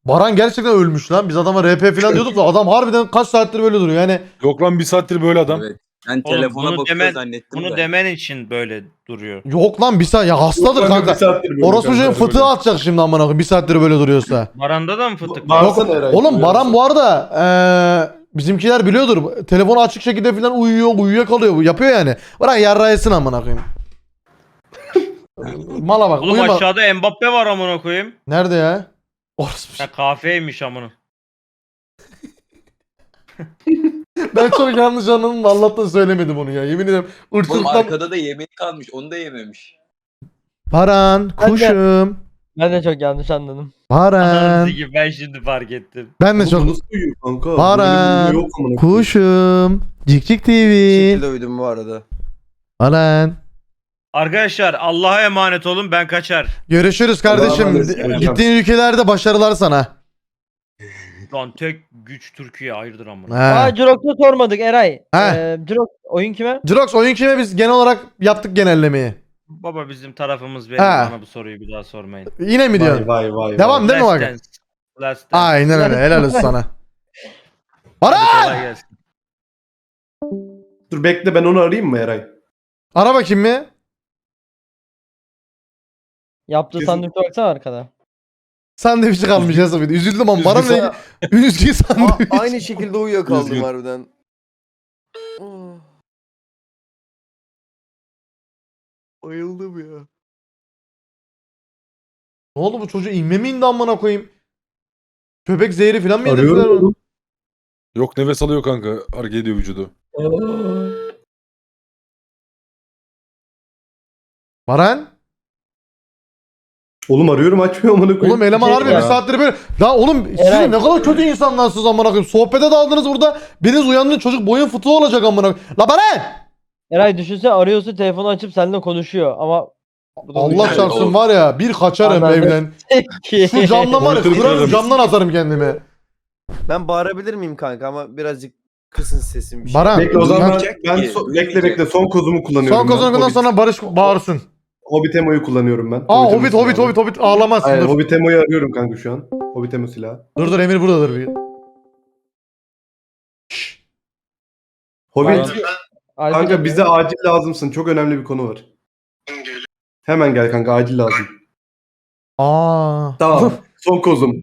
Baran gerçekten ölmüş lan. Biz adama RP falan diyorduk da adam harbiden kaç saattir böyle duruyor. Yani Yok lan bir saattir böyle adam. Evet. Ben Oğlum telefona bunu bakıyor demen, zannettim bunu de. demen için böyle duruyor. yok lan bir saat ya hastadır Yok lan, kanka. bir saattir böyle Orospu kanka, çocuğun fıtığı böyle. atacak şimdi amına koyayım bir saattir böyle duruyorsa. Baran'da da mı fıtık var? Bağırsana Eray. Oğlum Baran bu arada bizimkiler biliyordur. Telefonu açık şekilde falan uyuyakalıyor. Yapıyor yani. Bırak yarrayısın amına koyayım. Mala bak. Oğlum uyuma. aşağıda Mbappe var amına koyayım. Nerede ya? Orospu. Ha kafeymiş amına. Ben çok yanlış anladım da Allah'tan söylemedim onu ya. Yemin ederim. Oğlum Irkçılıktan. arkada da yemek kalmış. Onu da yememiş. Baran kuşum. Ben de çok yanlış anladım. Baran. Ananızı gibi ben şimdi fark ettim. Ben de Oğlum, çok. nasıl uyuyor kanka? Baran, Böyle bir yok amına koyayım. Kuşum. Cikcik TV. şekilde uyudum bu arada. Baran. Arkadaşlar Allah'a emanet olun ben kaçar. Görüşürüz Allah'a kardeşim. emanet olun. Gittiğin ülkelerde başarılar sana. Lan tek güç Türkiye hayırdır amına. Aa Jirox'a sormadık Eray. He. Jirox oyun kime? Jirox oyun kime biz genel olarak yaptık genellemeyi. Baba bizim tarafımız benim Ha. bana bu soruyu bir daha sormayın. Yine mi diyorsun? Vay. Devam değil mi Last bak? Dance. Last Dance. Aynen öyle. Helal olsun sana. Hadi Baran! kolay gelsin. Dur bekle, ben onu arayayım mı Eray? Ara bakayım mı? Yaptığı Kesin- sandviçe baksana arkada. Sandviçi kalmış ya Safiyet. Üzüldüm ama Baran ne? Üzgün sandviç. Aynı şekilde uyuyakaldım Üzgün. harbiden. Bayıldım ya. Ne oldu bu çocuğu inme mi indi amına koyayım? Köpek zehri falan mı yedirdiler Arıyorum. onu? Yok nefes alıyor kanka. Hareket ediyor vücudu. Baran? Oğlum arıyorum, açmıyor amına koyayım. Oğlum eleman Şey harbi ya. bir saattir böyle. Ya oğlum siz Eray. ne kadar kötü insanlarsınız amına koyayım. Sohbete daldınız burada. Biriniz uyandınız çocuk boyun fıtığı olacak amına koyayım. La Baran! Eray düşünsene arıyorsa telefonu açıp seninle konuşuyor ama Allah çarpsın var ya bir kaçarım Anladım. evden. ki. Şu camdan var ya Monitörü kırarım kırarım. camdan atarım kendimi. Ben bağırabilir miyim kanka ama birazcık kısın sesim bir şey. Baran. Bekle o zaman Uyumayacak ben ki, bekle bekle son kozumu kullanıyorum. Son ben. kozundan Hobbit- sonra Barış bağırsın. Hobbit Emo'yu kullanıyorum ben. Aa Emo'yu Hobbit ağlamazsın Aynen, dur. Hobbit Emo'yu arıyorum kanka şu an. Hobbit Emo silahı. Dur Emir buradadır bir. Şşş. Hobbit Alper kanka abi. bize acil lazımsın. Çok önemli bir konu var. Hemen gel kanka, acil lazım. Aa. Tamam. Son kozum.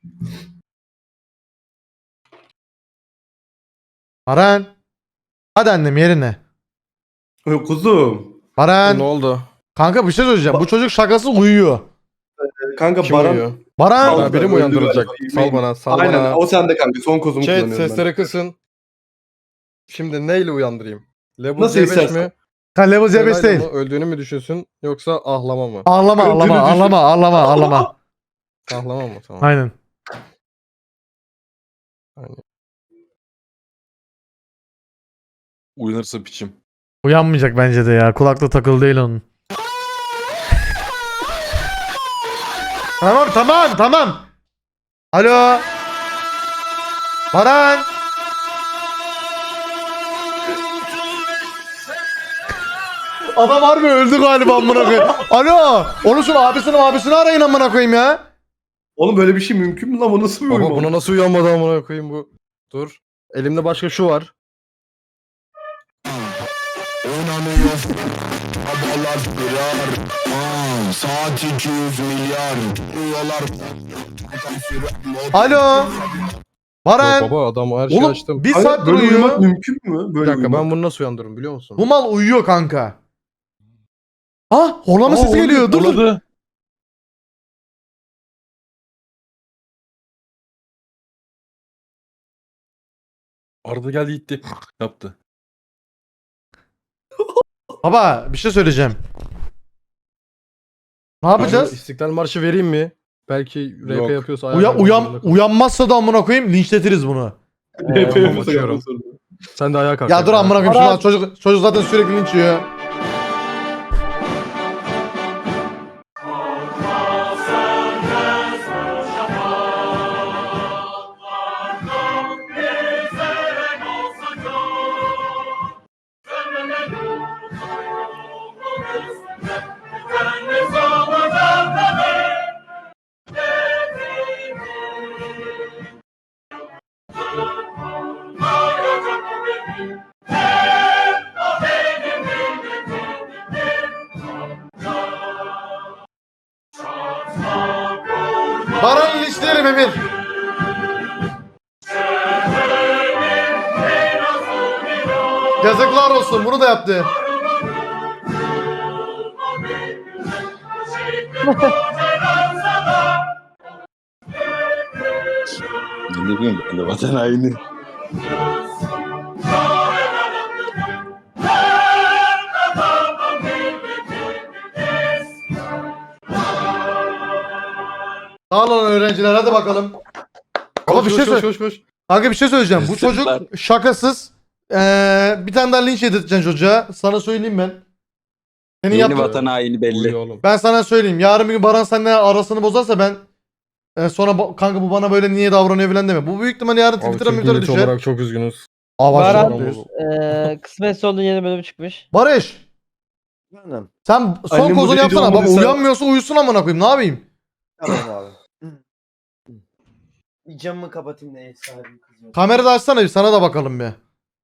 Baran. Hadi annem yerine. Kuzum. Baran. oldu? Kanka bir şey söyleyeceğim. Bu çocuk şakası uyuyor. Kanka Kim Baran. uyuyor? Baran. Al. Ha, biri mi uyandırılacak? Sal bana, sal Aynen bana. o sende kanka. Son kozumu Chat kullanıyorum sesleri kısın. Şimdi neyle uyandırayım? Level Nasıl C5 istersen. mi? Kan level C5 Parayla değil. mı, öldüğünü mü düşünsün yoksa ahlama mı? Ağlama Öldüğünü düşün. ağlama. Ahlama mı? Tamam. Aynen. Uyanırsa piçim. Uyanmayacak bence de ya. Kulakta takılı değil onun. Tamam. Alo. Baran. Adam harbi öldü galiba amına koyayım. Alo. Onu şunu abisini arayın amına koyayım ya. Oğlum böyle bir şey mümkün mü lan? O nasıl bir Baba uyuma? buna nasıl uyanmadı amına koyayım bu? Dur. Elimde başka şu var. Alo. Baran. Yok baba adam her şeyi Oğlum açtım. bir Kanka, saattir böyle uyumak uyuyor. mümkün mü? Bir Böyle dakika uyumak. ben bunu nasıl uyandırırım biliyor musun? Bu mal uyuyor kanka. Ah horlama sesi geliyor. Dur. Uladı. Arada geldi gitti. Yaptı. Baba bir şey söyleyeceğim. Ne Kanka, yapacağız? İstiklal Marşı vereyim mi? Belki RP Yok. yapıyorsa ayar vermek zorunda kalırım. Uyanmazsa da amına koyayım linçletiriz bunu. Yapıyorum, bakıyorum. Sen de ayağa kalk. Ya dur amına koyayım Baran. şuna çocuk zaten sürekli linç yiyor. Baran linçlerim Emir. Yazıklar olsun, bunu da yaptı. Ne bileyim ben de vatan haini. Sağ olun öğrenciler, hadi bakalım. Ama bir şey söyle. Kanka bir şey söyleyeceğim. Bu çocuk Sırtlar. şakasız. Bir tane daha linç yedirteceksin çocuğa. Sana söyleyeyim ben. Senin Yeni yaptığın... vatan haini belli. Oğlum. Ben sana söyleyeyim. Yarın bir gün Baran seninle arasını bozarsa ben sonra kanka bu bana böyle niye davranıyor falan deme. Bu büyük ihtimalle yarın Abi Twitter'a Türk Twitter'a milleti düşer. olarak çok üzgünüz. Baran- Baran. Kısmetse onun yeni bölümü çıkmış. Barış. Aynen. Sen son Annem kozunu bu yapsana. dedi, Bak olmadıysa- uyanmıyorsa uyusun amına koyayım. Ne yapayım? Tamam abi. Bir camımı kapatayım da ev sahibi kızıyor. Kamerada açsana bir, sana da bakalım bir.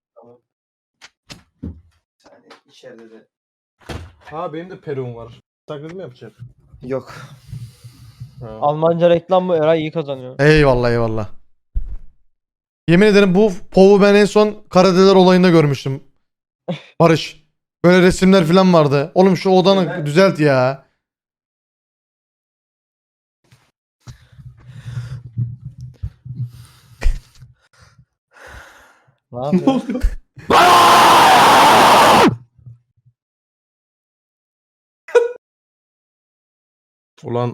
Bir saniye, içeride de. Ha benim de peruğum var. Taklidi mi yapacağım? Yok. Ha. Almanca reklam mı? Eray iyi kazanıyor. Eyvallah eyvallah. Yemin ederim bu povu ben en son Karadeler olayında görmüştüm. Barış. Böyle resimler falan vardı. Oğlum şu odanı Evet. düzelt ya. Ne yapıyor? Ulan.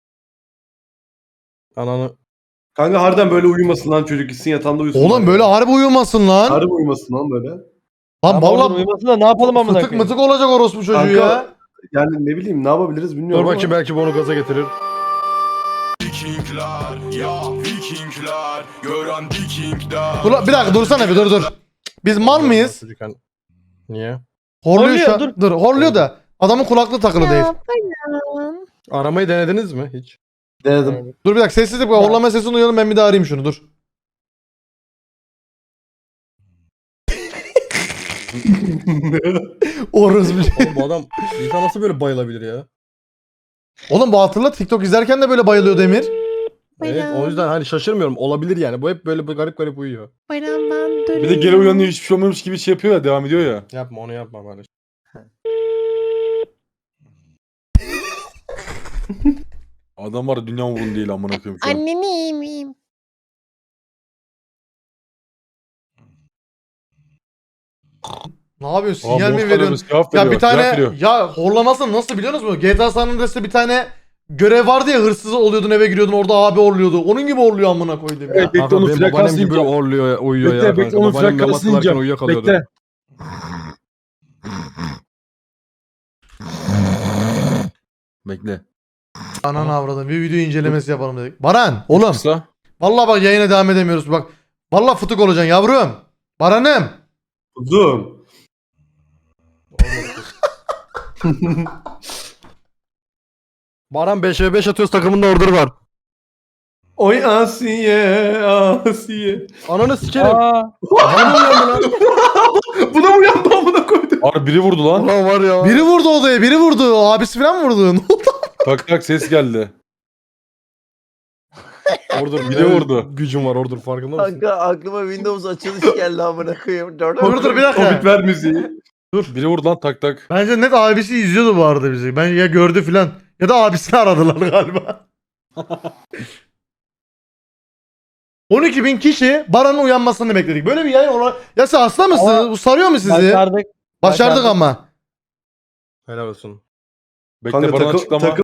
Ananı. Kanka harbiden böyle uyumasın lan çocuk, gitsin yatağında uyusun. Oğlum böyle harbi uyumasın lan. Harbi uyumasın lan böyle. Lan Tamam, oradan vallahi uyumasın da ne yapalım amına fıtık koyayım? mıtık olacak orospu çocuğu Kanka, ya. Yani ne bileyim ne yapabiliriz bilmiyorum Dur bakayım, ama. belki bu onu gaza getirir. Vikingler, ya Vikingler, gören Vikingler. Bir dakika dursana bir dur. Biz mal mıyız? Çocuk hani- Niye? Horluyor şu Horluyor, an. Dur horluyor da adamın kulaklığı takılı değil. Aramayı denediniz mi hiç? Denedim. Dur bir dakika sessizlik var. Horlama sesini duyalım, ben bir daha arayayım şunu dur. Orospu. Oğlum bu adam insan nasıl böyle bayılabilir ya? Oğlum bu hatırla TikTok izlerken de böyle bayılıyordu Emir. Evet, o yüzden hani şaşırmıyorum. Olabilir yani. Bu hep böyle garip garip uyuyor. Bir de geri uyanıyor, hiçbir şey olmamış gibi şey yapıyor ya, devam ediyor ya. Yapma, onu yapma bari. Adam var, dünya umurunda değil amına koyayım şu an. Anneni iyi miyim? Ne yapıyorsun? Aa, Sinyal mi Monster veriyorsun? Arabası cevap Ya veriyor, bir cevap tane veriyor. ya horlamasını nasıl biliyorsunuz mu? GTA San Andreas'ta bir tane görev vardı ya, hırsız oluyordun, eve giriyordun, orada abi horluyordu. Onun gibi horluyor amına koydum ya. Evet, bekle Kanka onun benim babaannem frekansını gibi ineceğim. horluyor, uyuyor Bekle, ya bekle, kanka. onun Babaannem namaz frekansını kılarken ineceğim. uyuyakalıyordu. Bekle. Bekle. Ananı avradım. Bir video incelemesi yapalım dedik. Baran oğlum. Kısa. Vallahi bak yayına devam edemiyoruz. Bak. Vallahi fıtık olacaksın yavrum. Baran'ım. Uzun. Baran 5'e 5 atıyoruz, takımında order var. Oy Asiye, Asiye. Ananı sikerim. Aa, Buna mı uyandı amına koydum? Abi biri vurdu lan. Ulan var ya. Biri vurdu odaya, biri vurdu. Abisi falan mı vurdu? Ne oldu? Tak tak ses geldi. Order Biri vurdu. Gücüm var order, farkında mısın? Kanka aklıma Windows açılış geldi amına koyayım. Dur bir dakika. Komik ver müziği. Biri vurdu lan, tak tak. Bence net abisi izliyordu bu arada bizi. Ben ya gördü filan. Ya da abisini aradılar galiba. 12.000 kişi Baran'ın uyanmasını bekledik. Böyle bir yayın olan... Ya sen hasta mısın? Ama- Bu sarıyor mu sizi? başardık. Başardık ama. Helal olsun. Bekle, Kanka bana açıklama. takım